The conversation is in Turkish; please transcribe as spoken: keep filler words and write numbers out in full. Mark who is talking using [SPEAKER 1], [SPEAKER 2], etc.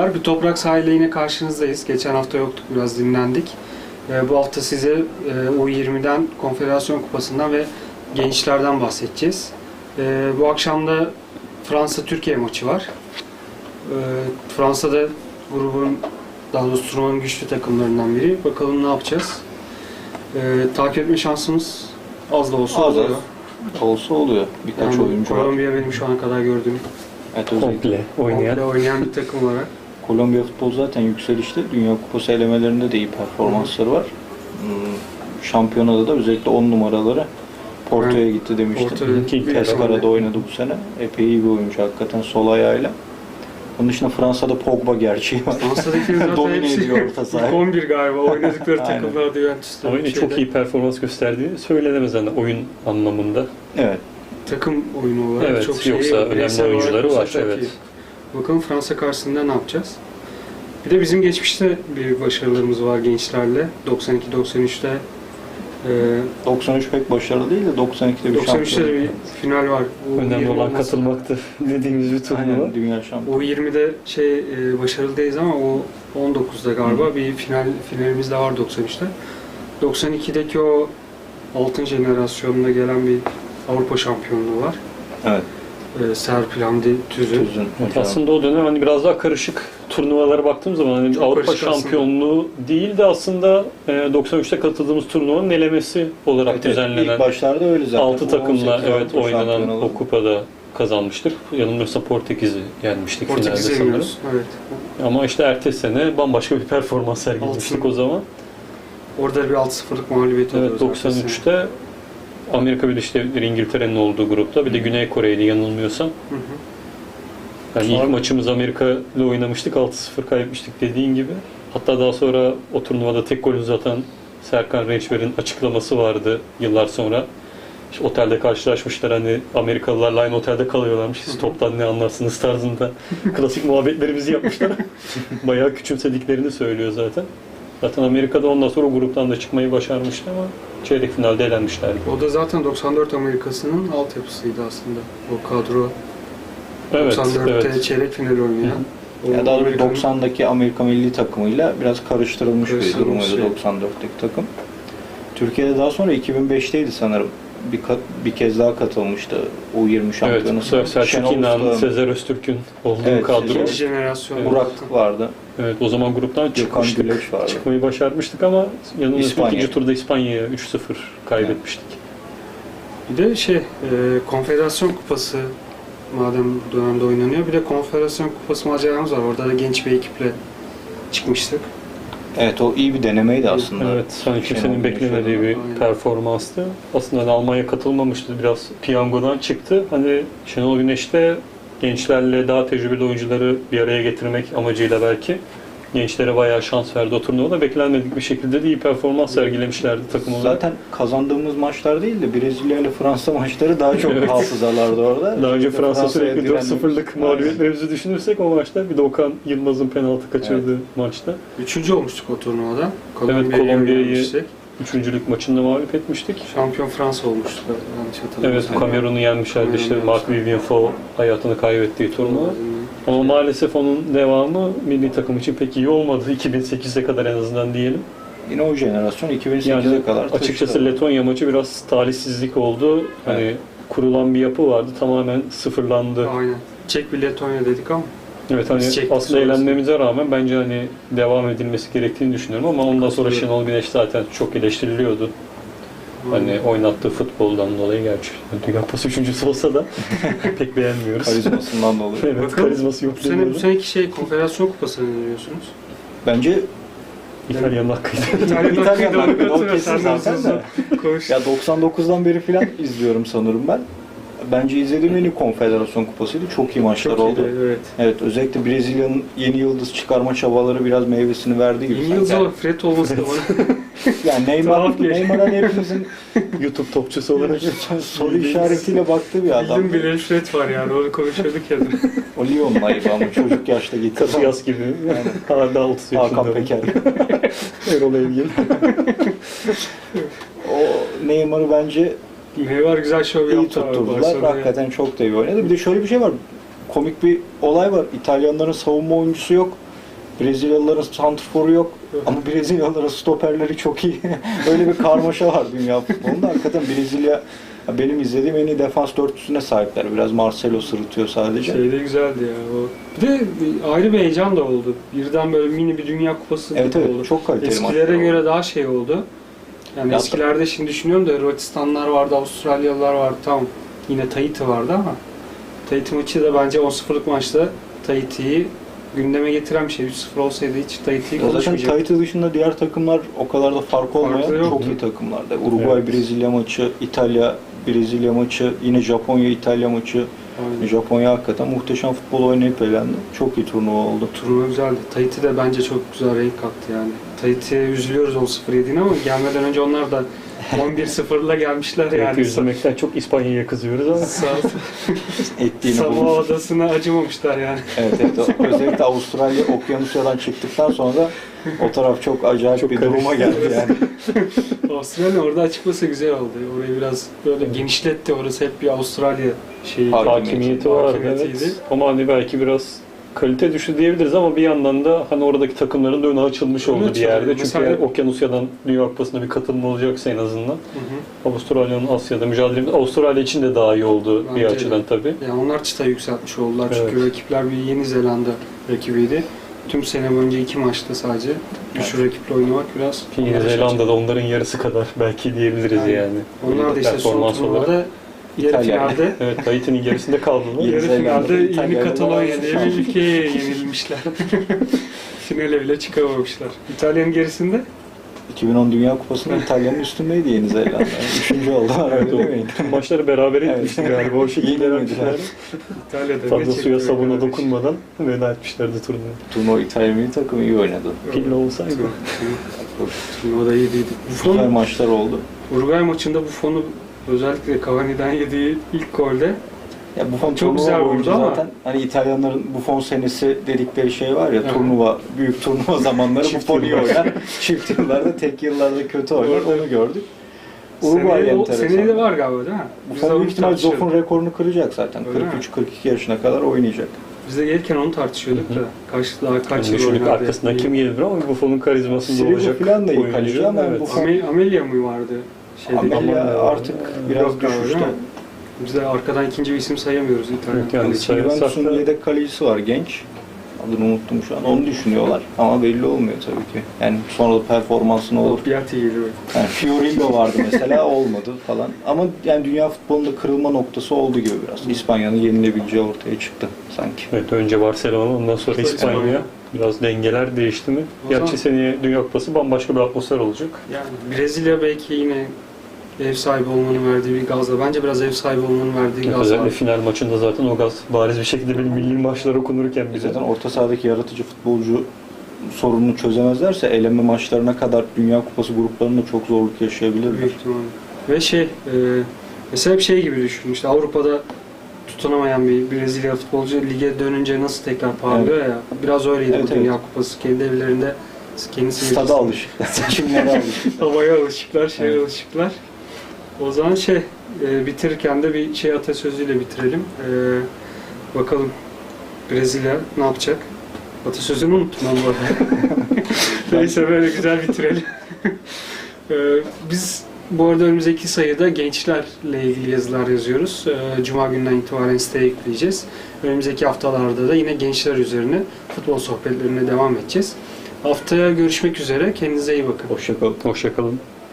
[SPEAKER 1] Merhabalar, bir toprak sahile yine karşınızdayız. Geçen hafta yoktuk, biraz dinlendik. Ee, bu hafta size e, U yirmiden, Konfederasyon Kupası'ndan ve gençlerden bahsedeceğiz. Ee, bu akşam da Fransa-Türkiye maçı var. Ee, Fransa'da grubun, daha doğrusu turnuvanın güçlü takımlarından biri. Bakalım ne yapacağız? Ee, takip etme şansımız az da olsa
[SPEAKER 2] Az
[SPEAKER 1] oluyor.
[SPEAKER 2] az olsa oluyor. Birkaç
[SPEAKER 1] Yani
[SPEAKER 2] oyuncu var.
[SPEAKER 1] Kolombiya benim şu ana kadar gördüğüm
[SPEAKER 2] Evet, özellikle
[SPEAKER 3] Komple oynayan.
[SPEAKER 1] komple oynayan bir takım olarak.
[SPEAKER 2] Kolombiya futbol zaten yükselişte. Dünya Kupası elemelerinde de iyi performansları var. Hmm, Şampiyonada da özellikle on numaraları Porto'ya gitti demiştim.
[SPEAKER 1] Porto'ya
[SPEAKER 2] Pescara'da oynadı bu sene. Epey iyi bir oyuncu hakikaten sol ayağıyla. Onun dışında Fransa'da Pogba gerçeği var.
[SPEAKER 1] Fransa'daki zaten
[SPEAKER 2] Domine
[SPEAKER 1] hepsi
[SPEAKER 2] ediyor orta
[SPEAKER 1] ilk
[SPEAKER 2] sahayı.
[SPEAKER 1] on bir galiba oynadıkları
[SPEAKER 2] Aynen.
[SPEAKER 1] takımlarda Juventus'ta.
[SPEAKER 3] Ama yine çok iyi performans gösterdiği söylenemez yani oyun anlamında.
[SPEAKER 2] Evet.
[SPEAKER 1] Takım oyunu olarak
[SPEAKER 3] Evet,
[SPEAKER 1] çok şey,
[SPEAKER 3] yoksa önemli
[SPEAKER 1] bireysel olarak
[SPEAKER 3] oyuncuları
[SPEAKER 1] olsa
[SPEAKER 3] var,
[SPEAKER 1] çok
[SPEAKER 3] evet.
[SPEAKER 1] iyi. Bakalım Fransa karşısında ne yapacağız? Bir de bizim geçmişte bir başarılarımız var gençlerle. doksan iki doksan üçte e,
[SPEAKER 2] doksan üç pek başarılı değil de doksan ikide bir
[SPEAKER 1] doksan üçte de
[SPEAKER 2] şampiyon.
[SPEAKER 1] bir final var. U
[SPEAKER 3] Önemli
[SPEAKER 1] yirmi
[SPEAKER 3] olan
[SPEAKER 1] olması.
[SPEAKER 3] katılmaktı dediğimiz bir turnuva.
[SPEAKER 2] Aynen, dünya şampiyonu.
[SPEAKER 1] U yirmide şey e, başarılı değiliz ama o on dokuzda galiba
[SPEAKER 2] Hı.
[SPEAKER 1] bir final finalimiz de var doksan üçte. doksan ikideki o altın jenerasyonunda gelen bir Avrupa şampiyonluğu var.
[SPEAKER 2] Evet.
[SPEAKER 1] E, Serpil Hamdi Tüzün.
[SPEAKER 2] Tüzün.
[SPEAKER 3] Evet, aslında o dönem hani biraz daha karışık turnuvalara baktığım zaman hani
[SPEAKER 1] Çok
[SPEAKER 3] Avrupa
[SPEAKER 1] karışık
[SPEAKER 3] şampiyonluğu değil de aslında e, doksan üçte katıldığımız turnuvanın elemesi olarak
[SPEAKER 2] Evet, evet.
[SPEAKER 3] düzenlenen
[SPEAKER 2] İlk başlarda öyle zaten.
[SPEAKER 3] altı takımla
[SPEAKER 2] on sekiz
[SPEAKER 3] evet
[SPEAKER 2] Avrupa
[SPEAKER 3] oynanan
[SPEAKER 2] şampiyonaları.
[SPEAKER 3] o kupada kazanmıştık. Yanılmıyorsam Portekiz'i yenmiştik finalde
[SPEAKER 1] Portekiz'e
[SPEAKER 3] sanırım.
[SPEAKER 1] yeniyoruz. Evet.
[SPEAKER 3] Ama işte ertesi sene bambaşka bir performans sergilemiştik
[SPEAKER 1] Altın.
[SPEAKER 3] o zaman.
[SPEAKER 1] Orada bir altı sıfırlık mağlubiyet oluyor
[SPEAKER 3] Evet,
[SPEAKER 1] zaten.
[SPEAKER 3] doksan üçte Amerika Birleşik Devletleri, İngiltere'nin olduğu grupta, bir de Güney Kore'ydi yanılmıyorsam.
[SPEAKER 1] Hı hı.
[SPEAKER 3] Yani ilk
[SPEAKER 1] Sonra-
[SPEAKER 3] maçımız Amerika ile oynamıştık, altı sıfır kaybetmiştik dediğin gibi. Hatta daha sonra o turnuvada tek gol uzatan Serkan Rençber'in açıklaması vardı yıllar sonra. İşte otelde karşılaşmışlar, hani Amerikalılarla aynı otelde kalıyorlarmış. Siz toptan ne anlarsınız tarzında klasik muhabbetlerimizi yapmışlar. Bayağı küçümsediklerini söylüyor zaten. Zaten Amerika'da ondan sonra o gruptan da çıkmayı başarmıştı ama çeyrek finalde elenmişlerdi.
[SPEAKER 1] O da zaten doksan dört Amerikası'nın altyapısıydı aslında. O kadro
[SPEAKER 3] Evet,
[SPEAKER 1] doksan dörtte
[SPEAKER 3] evet.
[SPEAKER 1] çeyrek final oynayan. O
[SPEAKER 2] Ya daha doğrusu
[SPEAKER 1] Amerika'nın-
[SPEAKER 2] doksandaki Amerika milli takımıyla biraz karıştırılmış bir
[SPEAKER 1] Karıştırılmış
[SPEAKER 2] durumuydu
[SPEAKER 1] şey.
[SPEAKER 2] doksan dörtteki takım. Türkiye'de daha sonra iki bin beşteydi sanırım. Bir, kat- bir kez daha katılmıştı U yirmi
[SPEAKER 3] Evet,
[SPEAKER 2] şampiyonasına.
[SPEAKER 3] Sel- Selçuk
[SPEAKER 2] Şenol
[SPEAKER 3] İnan,
[SPEAKER 2] Usta,
[SPEAKER 3] Sezer Öztürk'ün olduğu
[SPEAKER 2] Evet,
[SPEAKER 3] kadro.
[SPEAKER 1] İkinci jenerasyon.
[SPEAKER 3] Evet.
[SPEAKER 2] Burak vardı.
[SPEAKER 3] Evet, o zaman gruptan
[SPEAKER 2] Gökhan
[SPEAKER 3] çıkmıştık.
[SPEAKER 2] Güleç vardı.
[SPEAKER 3] Çıkmayı başarmıştık ama yanılmıyorsam
[SPEAKER 2] İspanya.
[SPEAKER 3] ikinci turda İspanya'ya üç sıfır kaybetmiştik.
[SPEAKER 1] Bir de şey, e, Konfederasyon Kupası madem bu dönemde oynanıyor. Bir de Konfederasyon Kupası maceramız var. Orada da genç bir ekiple çıkmıştık.
[SPEAKER 2] Evet, o iyi bir denemeydi aslında.
[SPEAKER 3] Evet, hani
[SPEAKER 2] Şenol
[SPEAKER 3] kimsenin
[SPEAKER 2] Güneş
[SPEAKER 3] beklemediği bir
[SPEAKER 1] Aynen.
[SPEAKER 3] performanstı. Aslında hani Almanya katılmamıştı, biraz piyangodan çıktı. Hani Şenol Güneş de gençlerle daha tecrübeli oyuncuları bir araya getirmek amacıyla belki gençlere bayağı şans verdi o turnuvada. Beklenmedik bir şekilde de iyi performans sergilemişlerdi takım olarak.
[SPEAKER 2] Zaten kazandığımız maçlar değil de Brezilya ile Fransa maçları daha çok
[SPEAKER 3] Evet.
[SPEAKER 2] hafızalarda orada.
[SPEAKER 3] Daha önce
[SPEAKER 2] İşte
[SPEAKER 3] Fransa
[SPEAKER 2] Fransa'ya
[SPEAKER 3] sürekli dört
[SPEAKER 2] direndik.
[SPEAKER 3] sıfırlık mağlubiyetlerimizi düşünürsek o maçta bir de Okan Yılmaz'ın penaltı kaçırdığı maçta.
[SPEAKER 1] Üçüncü olmuştuk o turnuvada.
[SPEAKER 3] Evet, Kolombiya'yı
[SPEAKER 1] yenmiştik.
[SPEAKER 3] üçüncülük maçında mağlup etmiştik.
[SPEAKER 1] Şampiyon Fransa olmuştu. Yanlış
[SPEAKER 3] Evet,
[SPEAKER 1] hatırlamıyorsam.
[SPEAKER 3] Kamerun'u yenmişlerdi işte
[SPEAKER 1] Kamerun'u
[SPEAKER 3] Marc Vivien Foe hayatını kaybettiği turnuva. Ama maalesef onun devamı milli takım için pek iyi olmadı. iki bin sekize kadar en azından diyelim.
[SPEAKER 2] Yine o jenerasyon iki bin sekize
[SPEAKER 3] Yani
[SPEAKER 2] kadar
[SPEAKER 3] açıkçası
[SPEAKER 2] taşıdı.
[SPEAKER 3] Letonya maçı biraz talihsizlik oldu. Hani
[SPEAKER 2] Evet.
[SPEAKER 3] kurulan bir yapı vardı, tamamen sıfırlandı.
[SPEAKER 1] Aynen. Çek bir Letonya dedik ama
[SPEAKER 3] Evet, hani
[SPEAKER 1] Biz çektik
[SPEAKER 3] aslında
[SPEAKER 1] sonrasında.
[SPEAKER 3] eğlenmemize rağmen bence hani devam edilmesi gerektiğini düşünüyorum ama ondan sonra
[SPEAKER 1] Katılıyorum.
[SPEAKER 3] Şenol Güneş zaten çok eleştiriliyordu. Hani oynattığı futboldan dolayı, gerçi Dünya Kupası üçüncüsü olsa da pek beğenmiyoruz.
[SPEAKER 2] Karizmasından dolayı.
[SPEAKER 3] Evet,
[SPEAKER 1] Bakalım,
[SPEAKER 3] karizması yok
[SPEAKER 1] bu sene bu
[SPEAKER 3] deniyordu.
[SPEAKER 1] seneki şey Konfederasyon Kupası'nı ne diyorsunuz?
[SPEAKER 2] Bence
[SPEAKER 3] İtalyan'ın hakkıydı.
[SPEAKER 1] İtalyan
[SPEAKER 2] İtalyan
[SPEAKER 1] hakkıydı,
[SPEAKER 2] hakkı,
[SPEAKER 1] onu
[SPEAKER 2] o
[SPEAKER 1] katılıyor.
[SPEAKER 2] kesin
[SPEAKER 1] Sen de
[SPEAKER 2] zaten
[SPEAKER 1] uzun
[SPEAKER 2] de.
[SPEAKER 1] konuş.
[SPEAKER 2] ya doksan dokuzdan beri falan izliyorum sanırım ben. Bence izlediğim en iyi konfederasyon kupasıydı. Çok iyi maçlar
[SPEAKER 1] Çok
[SPEAKER 2] oldu.
[SPEAKER 1] iyiydi, evet.
[SPEAKER 2] Evet, özellikle Brezilya'nın yeni yıldız çıkarma çabaları biraz meyvesini verdi gibi.
[SPEAKER 1] Yeni
[SPEAKER 2] sanki.
[SPEAKER 1] yıldız olarak Fred olması da bana
[SPEAKER 2] Yani Neymar,
[SPEAKER 1] Tuhaf geliyor.
[SPEAKER 2] Neymar'ın hepimizin
[SPEAKER 3] YouTube topçusu olarak.
[SPEAKER 2] soru işaretiyle baktığı bir adam.
[SPEAKER 1] bildiğim bir Fred var yani onu konuşuyorduk ya.
[SPEAKER 2] O Lyon'un ayıbı ama çocuk yaşta gitti.
[SPEAKER 3] Kasiyas gibi. Hala otuz yaşında.
[SPEAKER 2] Hakan Peker.
[SPEAKER 3] Erol Evgin.
[SPEAKER 2] O Neymar'ı bence
[SPEAKER 1] Neymar güzel şov
[SPEAKER 2] iyi
[SPEAKER 1] yaptı abi
[SPEAKER 2] tutturdular.
[SPEAKER 1] Barcelona'ya.
[SPEAKER 2] Hakikaten çok da iyi oynadı. Bir de şöyle bir şey var. Komik bir olay var. İtalyanların savunma oyuncusu yok. Brezilyalıların santrforu yok ama Brezilyalıların stoperleri çok iyi. Öyle bir karmaşa var dünya futbolunda. Hakikaten Brezilya benim izlediğim en iyi defans dörtlüsüne sahipler. Biraz Marcelo sırıtıyor sadece.
[SPEAKER 1] Şey de güzeldi ya o. Bir de ayrı bir heyecan da oldu. Birden böyle mini bir Dünya Kupası
[SPEAKER 2] Evet
[SPEAKER 1] gibi
[SPEAKER 2] evet
[SPEAKER 1] oldu.
[SPEAKER 2] çok kaliteli maçlar
[SPEAKER 1] Eskilere
[SPEAKER 2] oldu.
[SPEAKER 1] göre daha şey oldu. Yani
[SPEAKER 2] Ya-
[SPEAKER 1] eskilerde şimdi düşünüyorum da Hırvatistanlar vardı, Avustralyalılar vardı. Tamam. Yine Tahiti vardı ama Tahiti maçı da bence on sıfırlık maçta Tahiti'yi gündeme getiren bir şey. üç sıfır olsaydı hiç Tahiti'yi
[SPEAKER 2] Ya zaten
[SPEAKER 1] konuşmayacaktık.
[SPEAKER 2] Tahiti dışında diğer takımlar o kadar da fark olmayan
[SPEAKER 1] Farklı yoktu.
[SPEAKER 2] çok iyi takımlardı. Uruguay Brezilya maçı, İtalya Brezilya maçı, yine Japonya İtalya maçı.
[SPEAKER 1] Aynen.
[SPEAKER 2] Japonya hakikaten muhteşem futbol oynayıp elendi. Çok iyi turnuva oldu.
[SPEAKER 1] Turnuva güzeldi. Tahiti de bence çok güzel renk kattı yani. Tahiti'ye üzülüyoruz on sıfır yediğine ama gelmeden önce onlar da on bir sıfırla gelmişler
[SPEAKER 3] Yani
[SPEAKER 1] yani.
[SPEAKER 3] üzülmekten çok İspanya'ya kızıyoruz ama
[SPEAKER 1] Sağ
[SPEAKER 2] Ettiğini
[SPEAKER 1] Samoa
[SPEAKER 2] bulmuş.
[SPEAKER 1] Adası'na acımamışlar yani.
[SPEAKER 2] Evet, evet. Özellikle Avustralya Okyanusya'dan çıktıktan sonra o taraf çok acayip
[SPEAKER 3] Çok
[SPEAKER 2] bir duruma
[SPEAKER 3] karıştı.
[SPEAKER 2] geldi yani.
[SPEAKER 1] Avustralya orada açıkması güzel oldu. Orayı biraz böyle genişletti. Orası hep bir Avustralya şeyi.
[SPEAKER 2] Hakimiyeti.
[SPEAKER 3] hakimiyeti vardı.
[SPEAKER 1] Hakimiyetiydi.
[SPEAKER 3] Evet. Ama hani belki biraz kalite düştü diyebiliriz ama bir yandan da hani oradaki takımların da önü açılmış oldu
[SPEAKER 1] Evet,
[SPEAKER 3] bir yerde. Çünkü
[SPEAKER 1] mesela-
[SPEAKER 3] Okyanusya'dan Dünya Kupası'na bir katılma olacaksa en azından.
[SPEAKER 1] Hı hı.
[SPEAKER 3] Avustralya'nın Asya'da mücadele Avustralya için de daha iyi oldu
[SPEAKER 1] Bence
[SPEAKER 3] bir
[SPEAKER 1] de.
[SPEAKER 3] açıdan tabii.
[SPEAKER 1] Yani onlar çıta yükseltmiş oldular. Çünkü
[SPEAKER 3] Evet.
[SPEAKER 1] rakipler bir Yeni Zelanda rakibiydi. Tüm sene boyunca iki maçta sadece. Güçlü rakiple oynamak biraz...
[SPEAKER 3] Ki Yeni Zelanda'da onların yarısı kadar belki diyebiliriz
[SPEAKER 1] Aynen.
[SPEAKER 3] yani.
[SPEAKER 1] Onlar da işte son
[SPEAKER 3] Performans olarak.
[SPEAKER 1] turnuvada yarı
[SPEAKER 2] İtalya.
[SPEAKER 1] finalde
[SPEAKER 3] Evet, Tahiti'nin gerisinde kaldılar.
[SPEAKER 2] Yeni
[SPEAKER 1] yarı
[SPEAKER 2] Zelanda,
[SPEAKER 1] finalde yeni
[SPEAKER 2] İtalya'da
[SPEAKER 1] Katalonya
[SPEAKER 2] bayağı
[SPEAKER 1] diye bir
[SPEAKER 2] şans.
[SPEAKER 1] ülkeye yenilmişler. Finale bile çıkamamışlar. İtalya'nın gerisinde
[SPEAKER 2] iki bin on Dünya Kupası'nda İtalya'nın üstündeydi Yeni Zelanda. Üçüncü oldular
[SPEAKER 3] Evet,
[SPEAKER 2] öyle
[SPEAKER 3] o
[SPEAKER 2] değil miydi?
[SPEAKER 3] tüm maçları beraber etmişti
[SPEAKER 2] Evet.
[SPEAKER 3] galiba. O şekilde
[SPEAKER 2] Yenilmediler.
[SPEAKER 3] vermişler.
[SPEAKER 1] İtalya'da
[SPEAKER 3] Fazla
[SPEAKER 1] ne
[SPEAKER 3] suya
[SPEAKER 1] çekti
[SPEAKER 3] sabuna
[SPEAKER 1] kardeş.
[SPEAKER 3] dokunmadan veda etmişlerdi turnuvayı.
[SPEAKER 2] Turnuva İtalya milli takımı iyi oynadı.
[SPEAKER 3] Pille olsaydı.
[SPEAKER 1] Turnuvada iyiydi.
[SPEAKER 2] Güzel
[SPEAKER 1] Buffon,
[SPEAKER 2] maçlar oldu.
[SPEAKER 1] Uruguay maçında Buffon'u özellikle Cavani'den yediği ilk golde
[SPEAKER 2] Ya Buffon
[SPEAKER 1] Çok
[SPEAKER 2] turnuva
[SPEAKER 1] güzel
[SPEAKER 2] boyunca
[SPEAKER 1] vurdu ama-
[SPEAKER 2] zaten hani İtalyanların Buffon senesi dedikleri şey var ya,
[SPEAKER 1] Evet.
[SPEAKER 2] turnuva, büyük turnuva zamanları
[SPEAKER 3] Çift
[SPEAKER 2] Buffon iyi
[SPEAKER 3] yıllar.
[SPEAKER 2] oynar. Çift yıllarda, tek yıllarda kötü oynar.
[SPEAKER 1] Orada-
[SPEAKER 2] Onu gördük. Uruguay
[SPEAKER 1] seneye, o,
[SPEAKER 2] enteresan.
[SPEAKER 1] seneye de var galiba değil mi? Biz de
[SPEAKER 2] Buffon
[SPEAKER 1] onu
[SPEAKER 2] büyük ihtimal
[SPEAKER 1] tartışıyorduk.
[SPEAKER 2] Zoff'un rekorunu kıracak zaten.
[SPEAKER 1] Öyle mi?
[SPEAKER 2] kırk üç kırk iki yaşına kadar oynayacak.
[SPEAKER 1] Biz de gelirken onu tartışıyorduk da. Kaç, daha kaç
[SPEAKER 3] Yani
[SPEAKER 1] yıl
[SPEAKER 3] düşündük
[SPEAKER 1] oynar
[SPEAKER 3] arkasından
[SPEAKER 1] diye.
[SPEAKER 3] kim gelir ama Buffon'un karizmasında
[SPEAKER 2] Sirigu
[SPEAKER 3] olacak.
[SPEAKER 2] falan da iyi
[SPEAKER 3] oyuncu.
[SPEAKER 2] kaleci ama
[SPEAKER 3] Evet.
[SPEAKER 2] Buffon-
[SPEAKER 1] Ame- Amelia mı vardı? Şeyde,
[SPEAKER 2] Amelia
[SPEAKER 3] Amelia
[SPEAKER 2] artık
[SPEAKER 3] var.
[SPEAKER 2] biraz
[SPEAKER 1] Yok galiba,
[SPEAKER 2] düşüşte.
[SPEAKER 1] değil mi? Biz de arkadan ikinci bir isim sayamıyoruz İtalyan.
[SPEAKER 3] Yok yani.
[SPEAKER 1] kaleci.
[SPEAKER 3] Sayarsak
[SPEAKER 2] Juventus'un
[SPEAKER 3] da-
[SPEAKER 2] yedek kalecisi var, genç. Adını unuttum şu an. Onu düşünüyorlar ama belli olmuyor tabii ki. Yani sonra da performansı ne olur.
[SPEAKER 1] Piatti geliyor.
[SPEAKER 2] Yani Fiorillo vardı mesela, olmadı falan. Ama yani dünya futbolunda kırılma noktası oldu gibi biraz. İspanya'nın yenilebileceği ortaya çıktı sanki.
[SPEAKER 3] Evet, önce Barcelona, ondan sonra
[SPEAKER 1] Sonra
[SPEAKER 3] İspanya.
[SPEAKER 1] İspanya.
[SPEAKER 3] Biraz dengeler değişti mi?
[SPEAKER 1] O
[SPEAKER 3] Gerçi
[SPEAKER 1] zaman-
[SPEAKER 3] seneye Dünya Kupası bambaşka bir atmosfer olacak.
[SPEAKER 1] Yani Brezilya belki yine ev sahibi olmanın verdiği bir gazla. Bence biraz ev sahibi olmanın verdiği gaz
[SPEAKER 3] Özellikle
[SPEAKER 1] var.
[SPEAKER 3] final maçında zaten o gaz bariz bir şekilde benim milli maçlar okunurken bize.
[SPEAKER 2] Zaten orta sahadaki yaratıcı futbolcu sorununu çözemezlerse eleme maçlarına kadar Dünya Kupası gruplarında çok zorluk yaşayabilirler.
[SPEAKER 1] Büyük ihtimalle. Ve şey, e, mesela hep şey gibi düşün. İşte Avrupa'da tutunamayan bir Brezilya futbolcu lige dönünce nasıl tekrar parlıyor ya. Biraz öyleydi
[SPEAKER 2] Evet,
[SPEAKER 1] bu Dünya
[SPEAKER 2] evet.
[SPEAKER 1] Kupası. Kendi evlerinde kendisi
[SPEAKER 2] Stada alışıklar, seçimlere alışıklar.
[SPEAKER 1] havaya alışıklar, şeye
[SPEAKER 2] Evet.
[SPEAKER 1] alışıklar. O zaman şey, e, bitirirken de bir şey atasözüyle bitirelim. E, bakalım Brezilya ne yapacak? Atasözünü unuttum ben bu arada. Neyse böyle güzel bitirelim. e, biz bu arada önümüzdeki sayıda gençlerle ilgili yazılar yazıyoruz. E, Cuma günden itibaren siteye yükleyeceğiz. Önümüzdeki haftalarda da yine gençler üzerine futbol sohbetlerine devam edeceğiz. Haftaya görüşmek üzere. Kendinize iyi bakın.
[SPEAKER 2] Hoşçakalın.
[SPEAKER 3] Hoşçakalın.